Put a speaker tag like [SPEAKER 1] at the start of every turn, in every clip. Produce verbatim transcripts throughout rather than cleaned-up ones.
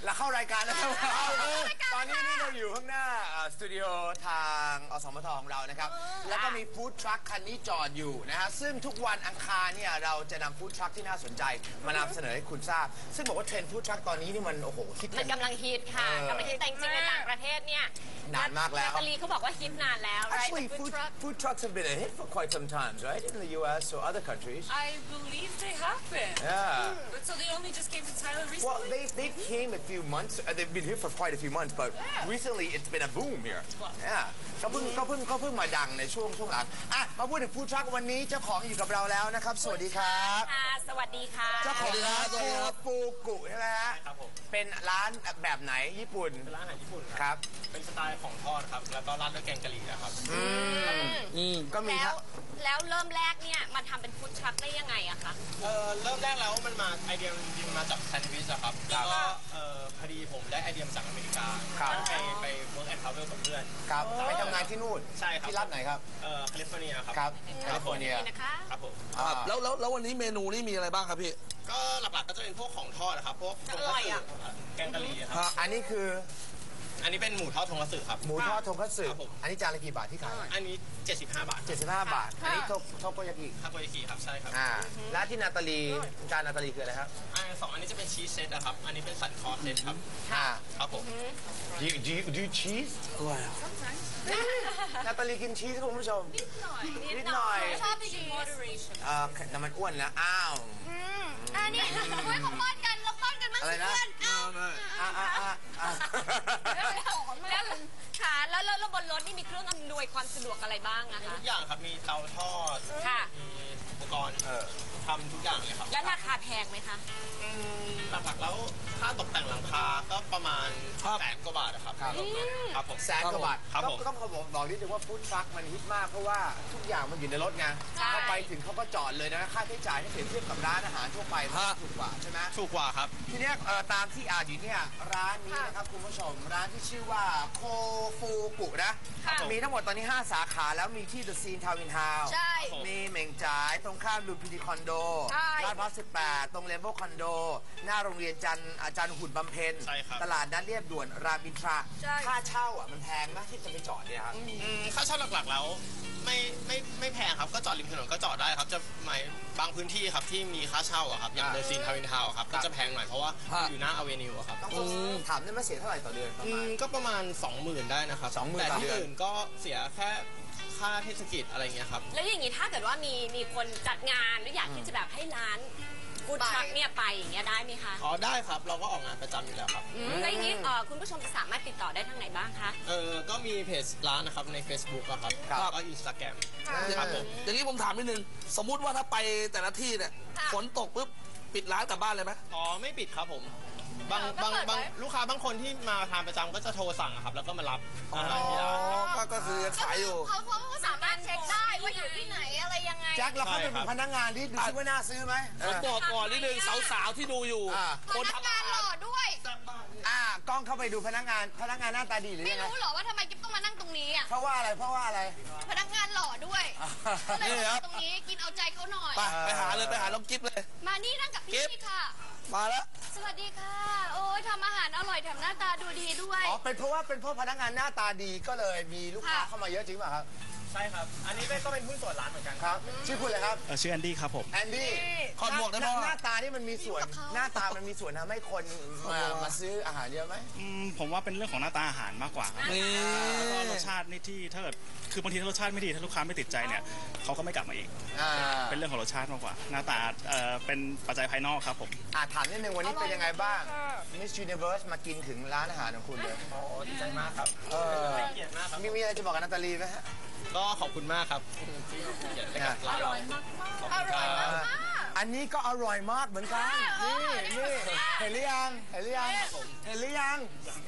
[SPEAKER 1] เราเข้ารายการแล้วครับตอนนี้นี่เราอยู่ข้างหน้าสตูดิโอทางอสมทของเรานะครับแล้วก็มีฟู้ดทรัคคันนี้จอดอยู่นะฮะซึ่งทุกวันอังคารเนี่ยเราจะนำฟู้ดทรัคที่น่าสนใจมานำเสนอให้คุณทราบซึ่งบอกว่าเทรนด์ฟู้ดทรัคตอนนี้นี่มันโอ้โหฮิต
[SPEAKER 2] มันกำลังฮิตค่ะกำลังฮิตแต่จริงๆในต่างประเทศเนี่ย
[SPEAKER 1] นานมากแล้ว
[SPEAKER 2] นาตาลีเขาบอกว่าฮิตนานแล้ว
[SPEAKER 1] Actually food food trucks have been a hit for quite some time right in the U S or other countries
[SPEAKER 3] I believe they have been.
[SPEAKER 1] Yeah
[SPEAKER 3] But so they only just came to Thailand recently?
[SPEAKER 1] Well they they came a few months uh, they've been here for quite a few months but recently it's been a boom here Yeah ก็เพิ่งก็เพิ่งก็เพิ่งมาดังในช่วงช่วงหลังอ่ะมาพูดถึงฟู้ดทรัควันนี้เจ้าของอยู่กับเราแล้วนะครับสวัสดีครับ
[SPEAKER 2] สวัสดีค่ะ
[SPEAKER 1] เจ้าของร้านโคฟูกุใช่ไหมฮะ
[SPEAKER 4] ครับผม
[SPEAKER 1] เป็นร้านแบบไหนญี่ปุ่น
[SPEAKER 4] เป็นร้านอาหารญี่ปุ่น
[SPEAKER 1] ครับ
[SPEAKER 4] เป็นสไตล์ของทอดครับแล้วก็ราดด้วยแกงกะหรี่นะครับ
[SPEAKER 1] อืมก็มี
[SPEAKER 2] แล้วแล้วเริ่มแรกเนี่ยมาทำเป็นฟู้ดทรัคได้ยังไงอะคะ
[SPEAKER 4] เอ่อเริ่มแรกแล้วมันมาไอเดียจริงๆมาจากแซนด์วิชอะครับแล้วก็เอ่อพอดีผมได้ไอเดียมาจากอเมริกาไปไปเวิร์กแอนด์ทราเวลกับเพื่อน
[SPEAKER 1] ครับไปทำงานที่นู่น
[SPEAKER 4] ใช่ครับ
[SPEAKER 1] ที่รัฐไหนครับ
[SPEAKER 4] เอ่อแคลิฟอร์เนียครับ
[SPEAKER 1] ครับแคลิฟอร์เนีย
[SPEAKER 2] นะคะ
[SPEAKER 4] ครับผม
[SPEAKER 5] แล้วแล้วแล้ววันนี้เมนูนี่มีอะไรบ้างครับพี่
[SPEAKER 4] ก็หลักๆก็จะเป็นพวกของทอดนะครับพวกทงคัตสึแกงกะหรี่ครับ
[SPEAKER 1] อันนี้คือ
[SPEAKER 4] อันนี้เป็นหมูทอดทงคัตสึครับ
[SPEAKER 1] หมูทอดทงคัตสึอันนี้จานละกี่บาทที่ขาย
[SPEAKER 4] อันนี้เจ็ดสิบห้าบาท
[SPEAKER 1] เจ็ดสิบห้าบาทอันนี้โทโทโกยากิ
[SPEAKER 4] ทาโกยากิครับใช่ครับ
[SPEAKER 1] อ่าแล้วที่นาตาลีจานนาตาลีคืออะไรครับ
[SPEAKER 4] อันสองอันนี้จะเป็นชีสเซตนะครับอันนี้เป็นสันคอเซตครับ
[SPEAKER 1] ค่ะ
[SPEAKER 4] ครับผม
[SPEAKER 1] Do you do you do cheese
[SPEAKER 5] อร่อยอ่ะ
[SPEAKER 1] นาตาลีกินชีสคุณผู้ชมนิดหน่อยนิดหน่อย
[SPEAKER 3] ชอบชีส
[SPEAKER 1] เอ่อแต่มันอ้วนนะอ้าว
[SPEAKER 2] อันนี้เฮ้ยเขาป้อนกันเราป้อนกันมั้งเพื่อนอ้าว
[SPEAKER 1] อ่าอ่าอ่า
[SPEAKER 2] แล้วค่ะแล้วแล้วบนรถนี่มีเครื่องอำนวยความสะดวกอะไรบ้างนะคะ
[SPEAKER 4] ทุกอย่างครับมีเตาทอด
[SPEAKER 2] ค่ะ
[SPEAKER 4] มีอุปกรณ์ทำทุกอย่างเลยครับ
[SPEAKER 2] แล้วราคาแพงไหมคะ
[SPEAKER 4] หลักๆแล้วค่าตกแต่งหลังคาก็ประมาณแสนกว่าบาทนะครับครับผม
[SPEAKER 1] แสนกว่าบาท
[SPEAKER 4] ครับผม
[SPEAKER 1] ต้องบอกบอกนิดนึงว่าฟู้ดทรัคมันฮิตมากเพราะว่าทุกอย่างมันอยู่ในรถไงเข้าไปถึงเขาก็จอดเลยนะค่าใช้จ่ายถ้าเปรียบเทียบกับร้านอาหารทั่วไปถูกกว่าใช่ไหม
[SPEAKER 4] ถูกกว่าครับ
[SPEAKER 1] ทีนี้ตามที่อ่านอยู่เนี่ยร้านนี้นะครับคุณผู้ชมร้านที่ชื่อว่าโคฟูกุนะมีทั้งหมดตอนนี้ห้าสาขาแล้วมีที่เดอะซีนทาวน์อินทาวน์มีเหม่งจ่ายตรงข้ามดูพิธีคอนโดลาดพร้าวสิบแปดตรงเลเวลคอนโดหน้าโรงเรียนจันอาจารย์หุ่นบำเพ็ญตลาดนัดเรียบด่วนรามอินทราค่าเช่าอ่ะมันแพงไหมที่จะไปจอดเนี่ยครับ
[SPEAKER 4] ค่าเช่าหลักๆแล้วไม่ไม่ไม่แพงครับก็จอดริมถนนก็จอดได้ครับจะหมายบางพื้นที่ครับที่มีค่าเช่าอะครับอย่างเดอะซีนทาวน์อินทาวน์ครับก็จะแพงหน่อยเพราะว่าอยู่หน้าอเวนิวครับ
[SPEAKER 1] ต้องถามได้ไหมเสียเท่าไหร่ต่อเดือน
[SPEAKER 4] ก็ประมาณ สองหมื่น ได้นะครับแต่ที่อื่นก็เสียแค่ค่าเทศกิจอะไรเงี้ยครับ
[SPEAKER 2] แล้วอย่างนี้ถ้าเกิดว่ามีมีคนจัดงานหรืออยากที่จะแบบให้ร้านฟู้ดทรัคเนี่ยไปอย่างเงี้ยได้ไหมคะ
[SPEAKER 4] อ๋อได้ครับเราก็ออกงานประจำอยู่แล้วครับ
[SPEAKER 2] แล้วอย่างนี้คุณผู้ชมจะสามารถติดต่อได้ทางไหนบ้างคะ
[SPEAKER 4] เออก็มีเพจร้านนะครับใน Facebook อะครับแล้วก็อินสตาแกรมครับผม
[SPEAKER 5] อย่างนี้ผมถามนิดนึงสมมุติว่าถ้าไปแต่ละที่เนี่ยฝนตกปุ๊บปิดร้านกลับบ้านเลยไหม
[SPEAKER 4] อ๋อไม่ปิดครับผมบางบางบางลูกค้าบางคนที่มาทานประจำก็จะโทรสั่งครับแล้วก็มารับอาหารที่ร้าน
[SPEAKER 5] ก็คือขายอยู่
[SPEAKER 2] เขาเขาสามารถเช็คได้ว่าอยู่ที่ไหนอะไรยังไง
[SPEAKER 1] แจ็คเราเข้าไปเป็นพนักงานที่ดูซิว่าน่าซื้อไหม
[SPEAKER 5] ผมบอกก่อนนิดนึงสาวๆที่ดูอยู่
[SPEAKER 2] คนทำงานหล่อด้วย
[SPEAKER 1] อ่ากล้องเข้าไปดูพนักงานพนักงานหน้าตาดีหรือ
[SPEAKER 2] ไม่รู้หรอว่าทำไมกิ๊บต้องมานั่งตรงนี้อ่ะ
[SPEAKER 1] เพราะว่าอะไรเพราะว่าอะไร
[SPEAKER 2] พนักงานหล่อด้วยก็เลยมาตรงนี้กินเอาใจเขาหน่อย
[SPEAKER 5] ไปไปหาเลยไปหาน้องกิ๊บเลย
[SPEAKER 2] มานี่นั่งกับพี่ค่ะ
[SPEAKER 5] มาแล้ว
[SPEAKER 2] สวัสดีค่ะโอ้ยทำอาหารอร่อยแถมหน้าตาดูดีด้วย
[SPEAKER 1] อ๋อเป็นเพราะว่าเป็นเพราะพนักงานหน้าตาดีก็เลยมีลูกค้าเข้ามาเยอะจริงป่ะครับ
[SPEAKER 4] ใช่ครับอันนี้ก็เป็นหุ้นส่วนร้านเหมือนกัน
[SPEAKER 1] ครับชื่อคุณอะไรครับ
[SPEAKER 4] ชื่อแอนดี้ครับผม
[SPEAKER 1] แอนดี้
[SPEAKER 5] ขอหมวกได้ไหม
[SPEAKER 1] หน้าตานี่มันมีส่วนหน้าตามันมีส่วนทำให้คนมามาซื้ออาหารเยอะไหม
[SPEAKER 4] ผมว่าเป็นเรื่องของหน้าตาอาหารมากกว่า
[SPEAKER 5] นี่
[SPEAKER 4] รสชาตินี่ที่ถ้าเกิดคือบางทีถ้ารสชาติไม่ดีถ้าลูกค้าไม่ติดใจเนี่ยเขาก็ไม่กลับมาอีกเป็นเรื่องของรสชาติมากกว่าหน้าตาเป็นปัจจัยภายนอกครับผม
[SPEAKER 1] ถามนิดนึงวันนี้เป็นยังไงบ้าง Miss Universe มากินถึงร้านอาหารของคุณเลย
[SPEAKER 4] โอ้ดีใจมากครับเกียรติมากครับ
[SPEAKER 1] มีมีอะไรจะบอกกับนาตาลีไหมฮะ
[SPEAKER 4] ก็ขอบคุณมากครับเกียรติกับร้านเรา
[SPEAKER 2] อร่อยมาก
[SPEAKER 1] อันนี้ก็อร่อยมากเหมือนกันนี่นี่เห็นหรือยังเห็นหรือยังเห็นหรือยัง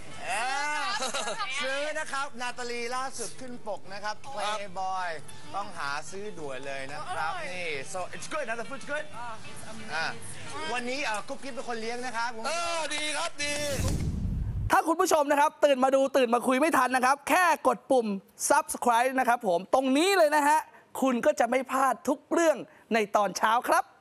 [SPEAKER 1] ซื้อนะครับนาตาลีล่าสุดขึ้นปกนะครับ Playboy ต้องหาซื้อด่วนเลยนะครับนี่ so it's good นะ the food's good วันนี้กุ๊กกิ๊บเป็นคนเลี้ยงนะครับ
[SPEAKER 5] เออดีครับดีถ้าคุณผู้ชมนะครับตื่นมาดูตื่นมาคุยไม่ทันนะครับแค่กดปุ่ม Subscribe นะครับผมตรงนี้เลยนะฮะคุณก็จะไม่พลาดทุกเรื่องในตอนเช้าครับ